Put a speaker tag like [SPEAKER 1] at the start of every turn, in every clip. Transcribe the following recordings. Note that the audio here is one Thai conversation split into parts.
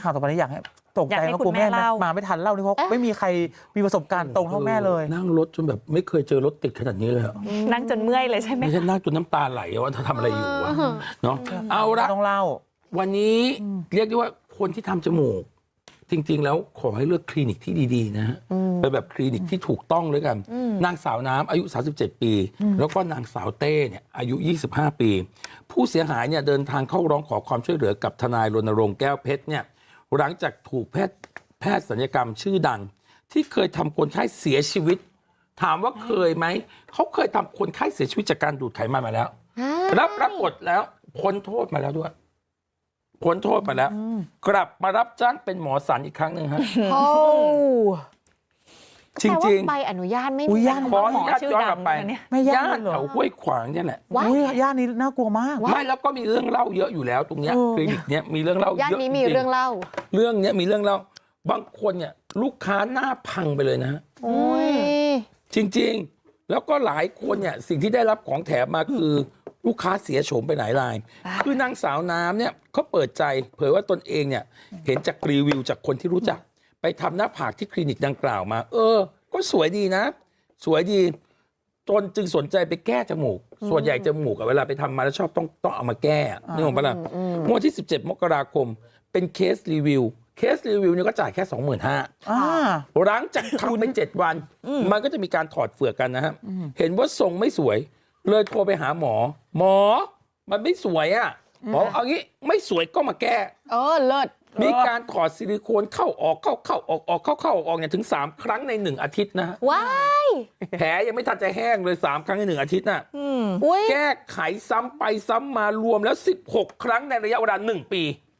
[SPEAKER 1] ข่าวต่อไปนี้อยากให้ตกใจ
[SPEAKER 2] อยากให้
[SPEAKER 1] ว่า
[SPEAKER 2] คุ
[SPEAKER 1] กลัว
[SPEAKER 2] ณแม่
[SPEAKER 1] แม่
[SPEAKER 2] เล่า
[SPEAKER 1] มาไม่ทันเล่านี่เพราะไม่มีใครมีประสบการณ์ตรงเท่าแม่เลย
[SPEAKER 3] นั่งรถจนแบบไม่เคยเจอรถติดขนาดนี้เลยอะ
[SPEAKER 2] นั่งจนเมื่อยเลยใช่ไหม
[SPEAKER 3] ไม่ใช่นั่งจนน้ำตาไหลว่าเธอทำอะไรอยู่วะเนาะเอาละ
[SPEAKER 1] ต้องเล่า
[SPEAKER 3] วันนี้เรียกได้ว่าคนที่ทำจมูก จริงๆแล้วขอให้เลือกคลินิกที่ดีๆนะฮะเป็นแบบคลินิกที่ถูกต้องเลยกันนางสาวน้ำอายุ37 ปี แล้วก็นางสาวเต้เนี่ยอายุ25 ปี ผู้เสียหายเนี่ยเดินทางเข้าร้องขอความช่วยเหลือกับทนายรณรงค์แก้วเพชรเนี่ยหลังจากถูกแพทย์ศัลยกรรมชื่อดัง ที่เคยทำคนไข้เสียชีวิต ถามว่าเคยไหมเขาเคยทำคนไข้เสียชีวิตจากการดูดไขมันมาแล้วรับปรากฏแล้วพ้นโทษมาแล้วด้วยพ้นโทษมาแล้วกลับมารับจ้างเป็นหมอสันอีกครั้งหนึ่งฮะ
[SPEAKER 4] โอ้
[SPEAKER 3] จริงๆ
[SPEAKER 4] ใบอนุญาตไม่
[SPEAKER 1] อุ๊
[SPEAKER 4] มี
[SPEAKER 1] ยย่าน
[SPEAKER 3] ขออนุญาตย้อนกลับไป
[SPEAKER 2] เนี่ย
[SPEAKER 1] ไม่ย่า
[SPEAKER 3] ย่าน
[SPEAKER 1] นเหร
[SPEAKER 3] แถ
[SPEAKER 1] อ
[SPEAKER 3] วห้วยขวางเนี่ยแหละ
[SPEAKER 4] ว้าย
[SPEAKER 1] อุ้ยย่านนี้น่ากลัวมาก
[SPEAKER 3] ไม่แล้วก็มีเรื่องเล่าเยอะอยู่แล้วตรงเนี้ย
[SPEAKER 1] เออ
[SPEAKER 3] คลินิกเนี้ยมีเรื่องเล่าเยอะ
[SPEAKER 4] ย่านนี้มี
[SPEAKER 3] จๆ
[SPEAKER 4] เรื่องเล่า
[SPEAKER 3] เรื่องเนี้ยมีเรื่องเล่าบางคนเนี่ยลูกค้าหน้าพังไปเลยนะฮะ
[SPEAKER 4] โอ้ย
[SPEAKER 3] จริงๆ แล้วก็หลายคนเนี่ยสิ่งที่ได้รับของแถมมาคือลูกค้าเสียโฉมไปหลายราย คือนางสาวน้ำเนี่ยเขาเปิดใจเผยว่าตนเองเนี่ยเห็นจากรีวิวจากคนที่รู้จัก ไปทำหน้าผากที่คลินิกดังกล่าวมา ก็สวยดีนะ สวยดีตนจึงสนใจไปแก้จมูก ส่วนใหญ่จมูกอะเวลาไปทำมาแล้วชอบต้องเอามาแก้นี่ของปะล่ะเมื่อวันที่ 17 มกราคมเป็นเคสรีวิวเนี่ยก็จ่ายแค่ 25,000
[SPEAKER 1] อ่า
[SPEAKER 3] หลังจากทำไป7 วัน มันก็จะมีการถอดเฟือกกันนะฮะ เห็นว่าทรงไม่สวย เลยโทรไปหาหมอ หมอ มันไม่สวยอ่ะหมอเอางี้ไม่สวยก็มาแก้
[SPEAKER 4] เลิศ
[SPEAKER 3] มีการถอดซิลิโคนเข้าออกเข้าออกเข้าออกเนี่ยถึง3 ครั้งใน1 อาทิตย์นะฮะ
[SPEAKER 4] ว้าย
[SPEAKER 3] แผลยังไม่ทันจะแห้งเลย3 ครั้งใน1 อาทิตย์น่ะ
[SPEAKER 4] อุ้ย
[SPEAKER 3] แก้ไขซ้ำไปซ้ำมารวมแล้ว16 ครั้งในระยะเวลา1 ปี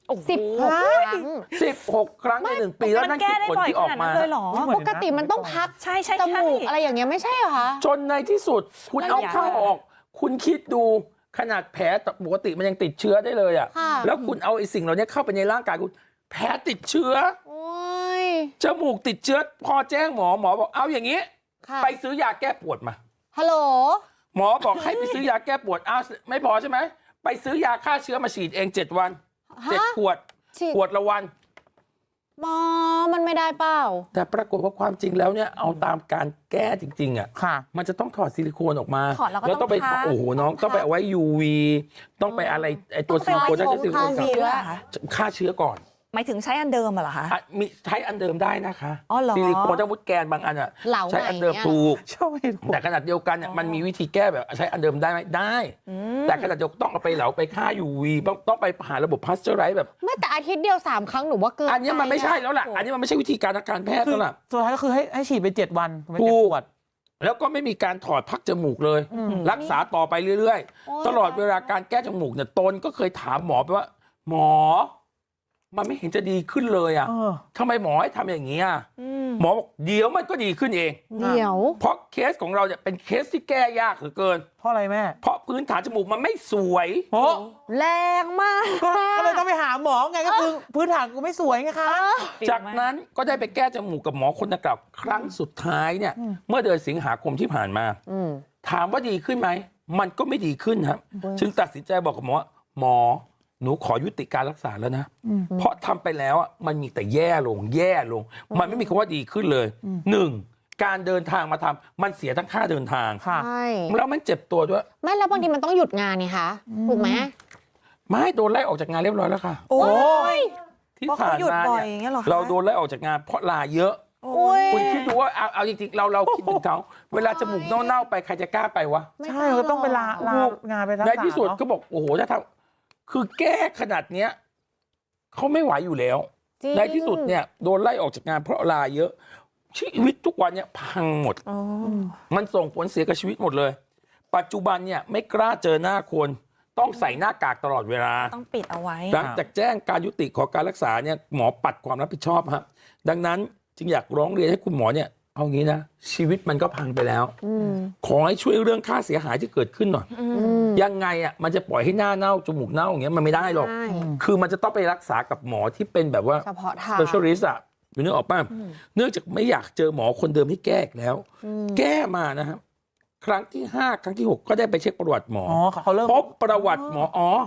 [SPEAKER 4] 16 ครั้ง
[SPEAKER 3] 16 ครั้งใน1 ปีแล้วนั่นคือผลที่ออกมา
[SPEAKER 2] เลยเหรอ
[SPEAKER 4] ปกติมันต้องพัก
[SPEAKER 2] ใช่ใช่
[SPEAKER 4] จมูกอะไรอย่างเงี้ยไม่ใช่เหรอคะ
[SPEAKER 3] จนในที่สุดคุณเอา
[SPEAKER 2] ระยะ
[SPEAKER 3] เข้าออก คุณคิดดูขนาดแผลปกติมันยังติดเชื้อได้เลยอ่ะ
[SPEAKER 4] ค่ะ
[SPEAKER 3] แล้วคุณเอาไอ้สิ่งเหล่านี้เข้าไปในร่างกายคุณแผลติดเชื้อ
[SPEAKER 4] โอ้ย
[SPEAKER 3] จมูกติดเชื้อพอแจ้งหมอบอกเอาอย่างนี้
[SPEAKER 4] ค่ะ
[SPEAKER 3] ไปซื้อยาแก้ปวดมา
[SPEAKER 4] ฮัลโหล
[SPEAKER 3] หมอบอกให้ไปซื้อยาแก้ปวดอ้าวไม่พอใช่ไหมไปซื้อยาฆ่าเชื้อมาฉีดเอง7 วัน
[SPEAKER 4] ฮะ
[SPEAKER 3] 7 ขวด
[SPEAKER 4] ฉีด
[SPEAKER 3] ขวดละวัน
[SPEAKER 4] หมอมันไม่ได้เปล่า
[SPEAKER 3] แต่ปรากฏว่าความจริงแล้วเนี่ยเอาตามการแก้จริงๆอ่ะ
[SPEAKER 1] ค่ะ
[SPEAKER 3] มันจะต้องถอดซิลิโคนออกมา
[SPEAKER 2] ถอดแล้วก็
[SPEAKER 3] ต้องไป
[SPEAKER 2] ต้องพัก
[SPEAKER 3] โอ้โหน้องต้องไปเอาไว้ UV ต้องไปอะไรไอตัวซิลิโคน
[SPEAKER 4] ต้
[SPEAKER 3] น่า
[SPEAKER 4] อง
[SPEAKER 3] จะ
[SPEAKER 4] ไป
[SPEAKER 3] ซิลิโคน
[SPEAKER 4] ฆ่า
[SPEAKER 3] ก่อน
[SPEAKER 4] เชื้อ
[SPEAKER 3] ฆ่าเชื้อก่อน
[SPEAKER 2] หมายถึงใช้อันเดิมเหรอคะ
[SPEAKER 3] มีใช้อันเดิมได้นะคะ
[SPEAKER 2] อ๋อเหรอ
[SPEAKER 3] ซิลิโคนถ้ามุดแกนบางอันอ่ะ
[SPEAKER 4] เหลา
[SPEAKER 3] ใช้อันเดิม
[SPEAKER 4] ใหม่เนี่ย
[SPEAKER 3] ถูก
[SPEAKER 1] ชอบเห็นผม
[SPEAKER 3] แต่ขนาดเดียวกันเนี่ยมันมีวิธีแก้แบบใช้อันเดิมได้ไหมได้ แต่ขนาดเดียวกันต้องเอาไปเหลาไปฆ่า UV ต้องไปหาระบบพาสเจอร์ไรส์แบบ
[SPEAKER 4] ไม่แต่อาทิตย์เดียว3 ครั้งหนูว่าเกิน
[SPEAKER 3] อันนี้มันไม่ใช่แล้วล่ะ อันนี้มันไม่ใช่วิธีการทางการแพทย์
[SPEAKER 1] คือ
[SPEAKER 3] แล้วล่ะ
[SPEAKER 1] สุดท้ายก็คือให้ฉีดไป7 วันไม่
[SPEAKER 3] ถู
[SPEAKER 1] เจ็บ
[SPEAKER 3] ก
[SPEAKER 1] ปวด
[SPEAKER 3] แล้วก็ไม่มีการถอดพักจมูกเลย รักษาต่อไปเรื่อย
[SPEAKER 4] โอ้ย
[SPEAKER 3] ๆ ตลอดเวลาการแก้จมูกเนี่ยตนก็เคยถามหมอไปว่า หมอ มันไม่เห็นจะดีขึ้นเลยอ่ะ
[SPEAKER 1] เออ
[SPEAKER 3] ทำไมหมอให้ทำอย่างนี้อ่ะหมอบอกเดี๋ยวมันก็ดีขึ้นเอง
[SPEAKER 4] เดี๋ยว
[SPEAKER 3] เพราะเคสของเราเนี่ยเป็นเคสที่แก้ยากเหลือเกิน
[SPEAKER 1] เพราะอะไรแม่
[SPEAKER 3] เพราะพื้นฐานจมูกมันไม่สวย
[SPEAKER 1] โอ้
[SPEAKER 4] แรงมาก
[SPEAKER 1] ก็เลยต้องไปหาหมอไงก็คือพื้นฐานกูไม่สวยไงคะ
[SPEAKER 3] จากนั้นก็ได้ไปแก้จมูกกับหมอคนดังกล่าวครั้งสุดท้ายเนี่ย เมื่อเดือนสิงหาคมที่ผ่านมา ถามว่าดีขึ้นไหม มันก็ไม่ดีขึ้นครับ จึงตัดสินใจบอกกับหมอว่าหมอ หนูขอยุติการรักษาแล้วนะ เพราะทำไปแล้วอ่ะมันมีแต่แย่ลง มันไม่มีคำว่าดีขึ้นเลยหนึ่งการเดินทางมาทำมันเสียทั้งค่าเดินทาง
[SPEAKER 1] ค่ะ
[SPEAKER 4] ใช่
[SPEAKER 3] แล้วมันเจ็บตัวด้วย
[SPEAKER 4] ไม่แล้วบางทีมันต้องหยุดงานนี่คะถูกไหม
[SPEAKER 3] ไม่โดนไล่ออกจากงานเรียบร้อยแล้วค่ะ
[SPEAKER 2] โอ้ย
[SPEAKER 3] ที่
[SPEAKER 2] เพราะ
[SPEAKER 3] ผ่า
[SPEAKER 2] เขา
[SPEAKER 3] น
[SPEAKER 2] หยุด
[SPEAKER 3] มา
[SPEAKER 2] บ่อย
[SPEAKER 3] เนี่
[SPEAKER 2] อย่างเงี้ยเหรอคะ
[SPEAKER 3] เราโดนไล่ออกจากงานเพราะลาเยอะ
[SPEAKER 2] โอ้ย
[SPEAKER 3] คุณคิดดูว่าเอาจริงๆเราคิดถึงเขาเวลาจมูกเน่าๆไปใครจะกล้าไปวะ
[SPEAKER 1] ใช่ก็ต้องไปลางานไปรักษา
[SPEAKER 3] ในที่สุด
[SPEAKER 1] เนอะ
[SPEAKER 3] ก็บอกโอ้โหถ้าทำคือแก้ขนาดเนี้ยเขาไม่ไหวอยู่แล้ว
[SPEAKER 4] จริง
[SPEAKER 3] ในที่สุดเนี่ยโดนไล่ออกจากงานเพราะลาเยอะ ชีวิตทุกวันเนี่ยพังหมด
[SPEAKER 2] อ๋อ
[SPEAKER 3] มันส่งผลเสียกับชีวิตหมดเลย ปัจจุบันเนี่ยไม่กล้าเจอหน้าคนต้องใส่หน้ากากตลอดเวลา
[SPEAKER 2] ต้องปิดเอาไว้
[SPEAKER 3] หลังจากแจ้งการยุติของการรักษาเนี่ยหมอปัดความรับผิดชอบครับดังนั้นจึงอยากร้องเรียนให้คุณหมอเนี่ยเอางี้นะชีวิตมันก็พังไปแล้ว ขอให้ช่วยเรื่องค่าเสียหายที่เกิดขึ้นหน่อยยังไงอ่ะมันจะปล่อยให้หน้าเน่าจมูกเน่าอย่างเงี้ยมันไม่ได้หรอก
[SPEAKER 4] ใช่
[SPEAKER 3] คือมันจะต้องไปรักษากับหมอที่เป็นแบบว่า
[SPEAKER 4] เฉพาะทาง
[SPEAKER 3] specialist อ่ะอยู่นึกออกป่ะเนื่องจากไม่อยากเจอหมอคนเดิมให้แก้อีกแล้ว แก้มานะครับครั้งที่5ครั้งที่6ก็ได้ไปเช็คประวัติหมอ
[SPEAKER 1] อ๋อเขาเริ่ม
[SPEAKER 3] พบประวัติหมอ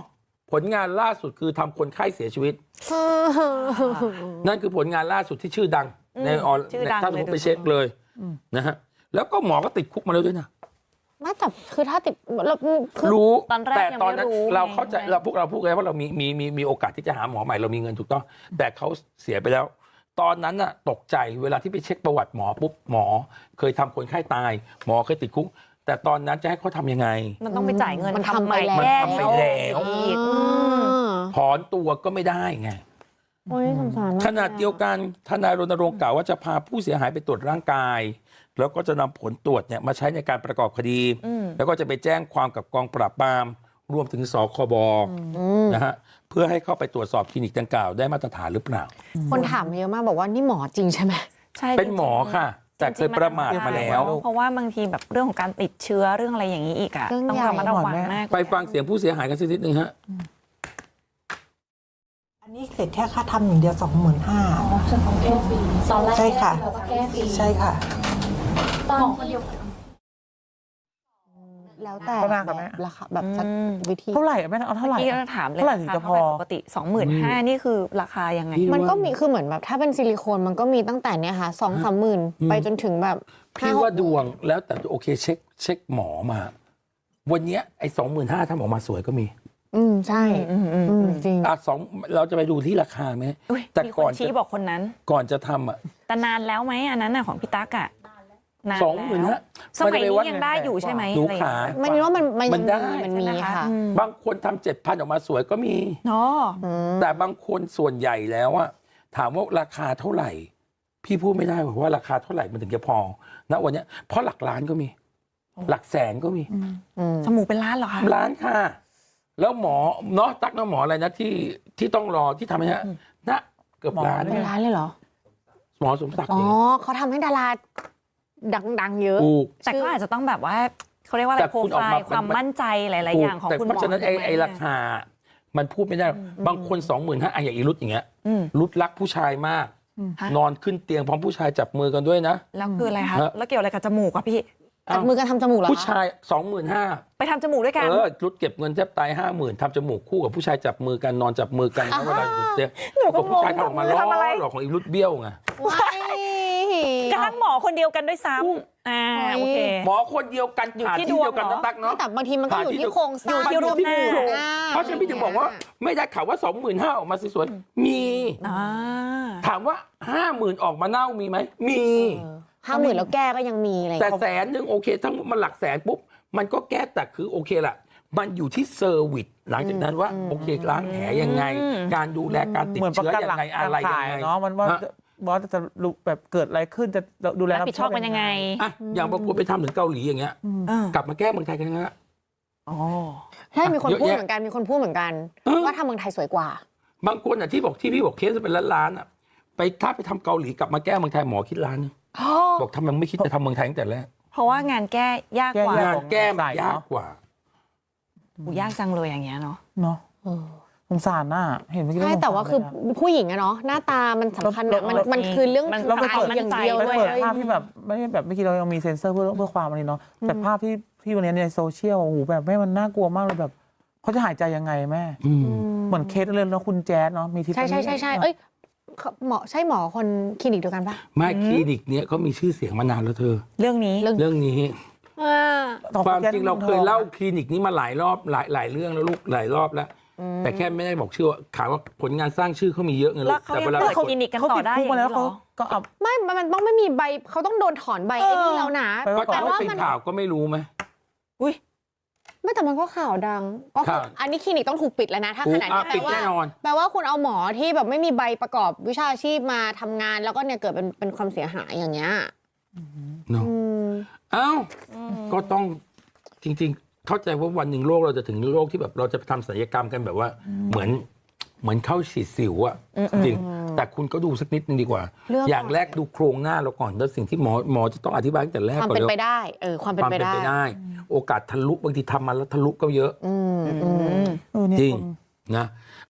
[SPEAKER 3] ผลงานล่าสุดคือทำคนไข้เสียชีวิต นั่นคือผลงานล่าสุดที่ชื่อดังในออน
[SPEAKER 2] ชื่อดัง
[SPEAKER 3] ถ้าสมมติ
[SPEAKER 2] เลย
[SPEAKER 3] ไปเช็คเลยนะฮะแล้วก็หมอก็ติดคุกมาแล้วด้วยนะ
[SPEAKER 4] ไม่แต่คือถ้าติดเราคือ
[SPEAKER 3] รู้
[SPEAKER 2] ตอนแรก
[SPEAKER 3] แต่
[SPEAKER 2] ยัง
[SPEAKER 3] ตอน
[SPEAKER 2] ไม่
[SPEAKER 3] นั้น
[SPEAKER 2] รู้
[SPEAKER 3] เรา
[SPEAKER 2] ไง
[SPEAKER 3] เข้าใจเราพวกเราพูดกันว่าเรามีโอกาสที่จะหาหมอใหม่เรามีเงินถูกต้องแต่เขาเสียไปแล้ว ตอนนั้นน่ะตกใจเวลาที่ไปเช็คประวัติหมอปุ๊บหมอเคยทำคนไข้ตาย หมอเคยติดคุกแต่ตอนนั้นจะให้เขาทำยังไง
[SPEAKER 2] มันต้องไปจ่ายเงิน
[SPEAKER 4] มันทำ
[SPEAKER 2] ใหม่
[SPEAKER 4] ไปแล้ว
[SPEAKER 2] แก้
[SPEAKER 3] มันทำไปแล้ว
[SPEAKER 2] อีก
[SPEAKER 3] ถอนตัวก็ไม่ได้ไง
[SPEAKER 4] โอ้ยสงสารมาก
[SPEAKER 3] ขนาดเดียวกันทนายรณรงค์กล่าวว่าจะพาผู้เสียหายไปตรวจร่างกาย แล้วก็จะนำผลตรวจเนี่ยมาใช้ในการประกอบคดี แล้วก็จะไปแจ้งความกับกองปราบปรามรวมถึงสคบนะฮะเพื่อให้เข้าไปตรวจสอบคลินิกดังกล่าวได้มาตรฐานหรือเปล่า
[SPEAKER 4] คนถามเยอะมากบอกว่านี่หมอจริงใช่ไหม
[SPEAKER 2] ใช่
[SPEAKER 3] เป็นหมอค่ะ แต่เคยประมาทมาแล้ว
[SPEAKER 2] เพราะว่าบางทีแบบเรื่องของการติดเชื้อเรื่องอะไรอย่างนี้อีกอะ
[SPEAKER 4] เรื่อง
[SPEAKER 2] ต้อง
[SPEAKER 4] ใหญ่
[SPEAKER 2] ระมัดระวังมาก
[SPEAKER 3] ไปฟังเสียงผู้เสียหายกันสักนิดนึงฮะ
[SPEAKER 5] อันนี้เสร็จแค่ค่าทำอย่างเดียว 25,000
[SPEAKER 6] เฉพาะแก้ฟรีตอนแรก
[SPEAKER 5] ใช่ค่ะ
[SPEAKER 6] เราก็แก้ฟรี
[SPEAKER 5] ใช่ค่ะ
[SPEAKER 6] ตอนคนเดียว
[SPEAKER 4] แล้วแต่
[SPEAKER 1] ก็น่ากับแม่
[SPEAKER 4] ราคาแบบสักวิธี
[SPEAKER 1] เท่าไหร่อะแม่เอาเท่าไหร่
[SPEAKER 2] พี่
[SPEAKER 1] อะ
[SPEAKER 2] ก็ถามเลย
[SPEAKER 1] เท่าไหร่ถึงจะพอ
[SPEAKER 2] ปกติ 25,000นี่คือราคายังไง
[SPEAKER 4] มันก็มีคือเหมือนแบบถ้าเป็นซิลิโคนมันก็มีตั้งแต่เนี่ยค่ะ2-3 หมื่นไปจนถึงแบบ
[SPEAKER 3] พี่ว่าดวงแล้วแต่โอเคเช็คหมอมา วันเนี้ยไอ้25,000ถ้าหมอมาสวยก็มี
[SPEAKER 4] ใช่จริง
[SPEAKER 3] สองเราจะไปดูที่ราคาไหม
[SPEAKER 2] อุ๊ย
[SPEAKER 3] แต่
[SPEAKER 2] มีค
[SPEAKER 3] ก่อน
[SPEAKER 2] นชี้บอกคนนั้น
[SPEAKER 3] ก่อนจะทำอ่ะ
[SPEAKER 2] แต่นานแล้วไหมอันนั้นน่ะของพี่ตั๊กอะนาน
[SPEAKER 3] 25,000
[SPEAKER 2] แล้วสมัยนี้ยังได้อยู่ใช่ไหม
[SPEAKER 3] ดู
[SPEAKER 2] อะไรอย่ง
[SPEAKER 3] ขา
[SPEAKER 2] เงี้ย
[SPEAKER 4] มันว่ามัน
[SPEAKER 3] ได้
[SPEAKER 4] มันมีค่ะ
[SPEAKER 3] บางคนทำ7,000ออกมาสวยก็มี
[SPEAKER 2] เนาะ
[SPEAKER 3] แต่บางคนส่วนใหญ่แล้วอะถามว่าราคาเท่าไหร่ พี่พูดไม่ได้หรอกว่าราคาเท่าไหร่มันถึงจะพอณวันเนี้ยเพราะหลักล้านก็มี หลักแสนก็มี
[SPEAKER 2] จมูกเป็นล้านเหรอคะ
[SPEAKER 3] ล้านค่ะ แล้วหมอเนาะตักนะหมออะไรนะที่ต้องรอที่ทำให้ฮะนะเกือบล้าน
[SPEAKER 4] เป็นร้านเลยเหรอ
[SPEAKER 3] หมอสมศักดิ์
[SPEAKER 4] อ๋อ
[SPEAKER 3] เอง
[SPEAKER 4] เขาทำให้ดาราดังๆเยอะ
[SPEAKER 3] ถูก
[SPEAKER 2] แต่ก็อาจจะต้องแบบว่าเขาเรียกว่าอะ
[SPEAKER 3] แต่
[SPEAKER 2] ไรโปร
[SPEAKER 3] คุณอ
[SPEAKER 2] ไฟ
[SPEAKER 3] อกมา
[SPEAKER 2] ล์ความมั่นใจหลาย ๆ อย่างของ
[SPEAKER 3] แต่
[SPEAKER 2] คุณห
[SPEAKER 3] เพ
[SPEAKER 2] มอ
[SPEAKER 3] ราะฉะนั้น
[SPEAKER 2] ถูกหม
[SPEAKER 3] ไอ้ราคา มันพูดไม่ได้หรอกบางคน25,000อะอย่างอีรุตอย่างเงี้ย
[SPEAKER 2] อืม
[SPEAKER 3] รุดรักผู้ชายมาก
[SPEAKER 2] ฮะ
[SPEAKER 3] นอนขึ้นเตียงพร้อมผู้ชายจับมือกันด้วยนะ
[SPEAKER 2] แล้วคืออะไรคะ
[SPEAKER 3] ฮะ
[SPEAKER 2] แล้วเกี่ยวอะไรกับจมูกอะพี่
[SPEAKER 4] จับมือกันทำจมูกเหรอ
[SPEAKER 3] ผู้
[SPEAKER 4] คะ
[SPEAKER 3] ชาย 25,000
[SPEAKER 2] ไปทำจมูกด้วยกัน
[SPEAKER 3] รุดเก็บเงินแทบตาย 50,000ทำจมูกคู่กับผู้ชายจับมือกันนอนจับมือกันเวลาอยู่เตียง
[SPEAKER 2] หนูก็
[SPEAKER 3] ผู้ชาย
[SPEAKER 2] งง
[SPEAKER 3] ทำออกมา
[SPEAKER 2] จับมือ
[SPEAKER 3] ล้อ
[SPEAKER 2] ทำอะไร
[SPEAKER 3] หลอกของอีรุดเบี้ยวไง
[SPEAKER 4] ว้าย
[SPEAKER 2] กระทั่งหมอคนเดียวกันด้วยซ้ำโอเค
[SPEAKER 3] หมอคนเดียวกัน
[SPEAKER 2] อยู่
[SPEAKER 3] ผ่า
[SPEAKER 2] ที่
[SPEAKER 3] ที่เดียวกัน
[SPEAKER 2] ดวงเหรอ
[SPEAKER 3] นะตักเนาะ
[SPEAKER 4] แต่บางทีมันก็อยู่ที่โครงสร้าง
[SPEAKER 2] อยู่ที่รูปหน้า
[SPEAKER 3] เพราะฉะนั้นพี่ถึงบอกว่าไม่ได้ข่าวว่า25,000ออกมาสวยๆมี
[SPEAKER 2] อ่า
[SPEAKER 3] ถามว่า 50,000ออกมาเน่ามีไหมมี
[SPEAKER 4] 50,000แล้วแก้ก็ยังมีอะไร
[SPEAKER 3] แต่100,000โอเคทั้งหมดมันหลักแสนปุ๊บมันก็แก้แต่คือโอเคล่ะมันอยู่ที่เซอร์วิสหลังจากนั้นว่าโอเคล้างแผลยังไง การดูแลการติด
[SPEAKER 1] เหมือนประ
[SPEAKER 3] เชื้อ
[SPEAKER 1] กัน
[SPEAKER 3] ยั
[SPEAKER 1] หลั
[SPEAKER 3] ง
[SPEAKER 1] ก
[SPEAKER 3] ไงอะไร
[SPEAKER 1] ข
[SPEAKER 3] ยั
[SPEAKER 1] าง ย
[SPEAKER 3] ไง
[SPEAKER 1] เนาะมันว่า
[SPEAKER 3] ฮะ
[SPEAKER 1] บอสจะรู้แบบเกิดอะไรขึ้นจะดูแล
[SPEAKER 2] รับผิดชอบกันยังไง
[SPEAKER 3] อ่ะอย่างบางคนไปทำถึงเกาหลีอย่างเงี้ย
[SPEAKER 2] เออก
[SPEAKER 3] ลับมาแก้เมืองไทยกันนะ
[SPEAKER 2] อ๋อ
[SPEAKER 4] ใช่มีคน
[SPEAKER 3] เยอะ
[SPEAKER 4] พูด
[SPEAKER 3] แยะ
[SPEAKER 4] เหมือนกันมีคนพูดเหมือนกัน ว่าทำเมืองไทยสวยกว่า
[SPEAKER 3] บางคนอ่ะที่พี่บอกเคสเป็นล้านๆอ่ะไปถ้าไปทำเกาหลีกลับมาแก้เมืองไทยหมอคิดล้านนึงบอกทำไมไม่คิดจะทำเมืองไทยตั้งแต่แรก
[SPEAKER 2] เพราะว่างานแก้ยากกว่าง
[SPEAKER 3] านแก้มันยากกว่า
[SPEAKER 2] ยากจังเลยอย่างเงี้ยเนาะ
[SPEAKER 1] เนาะสงสารน่ะเห็นเมื่อกี้
[SPEAKER 4] ใช่
[SPEAKER 1] ล้
[SPEAKER 4] แต่ว่าคือ
[SPEAKER 1] สงสรเลยะ
[SPEAKER 4] ผู้หญิงอะเนาะหน้าตามันสำคัญอะมันคือเรื่อง
[SPEAKER 2] มัน
[SPEAKER 1] เราไปเปิด
[SPEAKER 4] อย่างเดียว
[SPEAKER 1] ไป
[SPEAKER 4] เลย
[SPEAKER 1] เปิดภาพที่แบบไม่ได้แบบเมื่อกี้เรายังมีเซ็นเซอร์เพื่อความอะไรเนาะแต่ภาพที่วันนี้ในโซเชียลโอ้โหแบบแม่มันน่ากลัวมากเลยแบบเขาจะหายใจยังไงแม่ เหมือนเคสเลยแล้วคุณแจ๊ดเนาะมีทิศ
[SPEAKER 4] ใช่เอ้ยหมอใช่หมอคนคลินิกเดียวกันปะ
[SPEAKER 3] ไม่คลินิกเนี้ยเขามีชื่อเสียงมานานแล้วเธอ
[SPEAKER 2] เรื่องนี้
[SPEAKER 3] เรื่องนี้
[SPEAKER 1] ต่อ
[SPEAKER 3] ความ
[SPEAKER 1] แจ๊ด
[SPEAKER 3] จริงเราเคยเล่าคลินิกนี้มาหลายรอบหลายเรื่องแล้วลูกหลายรอบแล้ว แต่แค่ไม่ได้บอกชื่อว่าข่าวว่าผลงานสร้างชื่อเขามีเยอะไงลู
[SPEAKER 2] แล้ว
[SPEAKER 3] ก
[SPEAKER 2] เขา
[SPEAKER 3] แต่
[SPEAKER 2] ยัง
[SPEAKER 3] เวลา
[SPEAKER 2] เปิ
[SPEAKER 3] ห
[SPEAKER 2] ด
[SPEAKER 3] ลายคน
[SPEAKER 2] คลินิกกัน
[SPEAKER 1] เขา
[SPEAKER 2] ต่อ
[SPEAKER 1] ติด
[SPEAKER 2] ได้
[SPEAKER 1] คุกมาแล้ว
[SPEAKER 2] เหร
[SPEAKER 1] เขา
[SPEAKER 2] อ
[SPEAKER 1] ก็เอา
[SPEAKER 4] ไม่มันต้องไม่มีใบเขาต้องโดนถอนใบไอ้นี่แล้วนะ
[SPEAKER 1] ไป
[SPEAKER 3] ก็
[SPEAKER 1] ก่อน
[SPEAKER 3] แต่ว่าเป็นข่าวก็ไม่รู้ไหม
[SPEAKER 2] อุ้ย
[SPEAKER 4] ไม่แต่มันก็ข่าวดังก็คือ
[SPEAKER 3] ข่าว
[SPEAKER 4] อันนี้คลินิกต้องถูกปิดแล้วนะถ้าขนาดนี้
[SPEAKER 3] ปิดแน่นอน
[SPEAKER 4] แปลว่าคุณเอาหมอที่แบบไม่มีใบประกอบวิชาชีพมาทำงาน แล้วก็เนี่ยเกิดเป็นความเสียหายอย่างเงี้ย
[SPEAKER 3] เนาะ
[SPEAKER 4] อืม
[SPEAKER 3] เอ้าก็ต้องจริง ๆ เข้าใจว่าวันหนึ่งโลกเราจะถึงโลกที่แบบเราจะทำศัลยกรรมกันแบบว่าเหมือนเข้าฉีดสิวอะจริงแต่คุณก็ดูสักนิดนึงดีกว่า
[SPEAKER 4] เรื่อง
[SPEAKER 3] อย่างแรกดูโครงหน้าเราก่อนแล้วสิ่งที่หมอจะต้องอธิบายตั้งแต่แรก
[SPEAKER 4] ความ
[SPEAKER 3] ก่อน
[SPEAKER 4] เป็น
[SPEAKER 3] เลย
[SPEAKER 4] ไปได้ความเป็น
[SPEAKER 3] ความ
[SPEAKER 4] ไป
[SPEAKER 3] เป็น
[SPEAKER 4] ได้
[SPEAKER 3] ไปได้ โอกาสทะลุบางทีทำมาแล้วทะลุก็เยอะ
[SPEAKER 4] อืม
[SPEAKER 1] เออเนี่ย
[SPEAKER 3] จริง
[SPEAKER 1] คน
[SPEAKER 3] นะ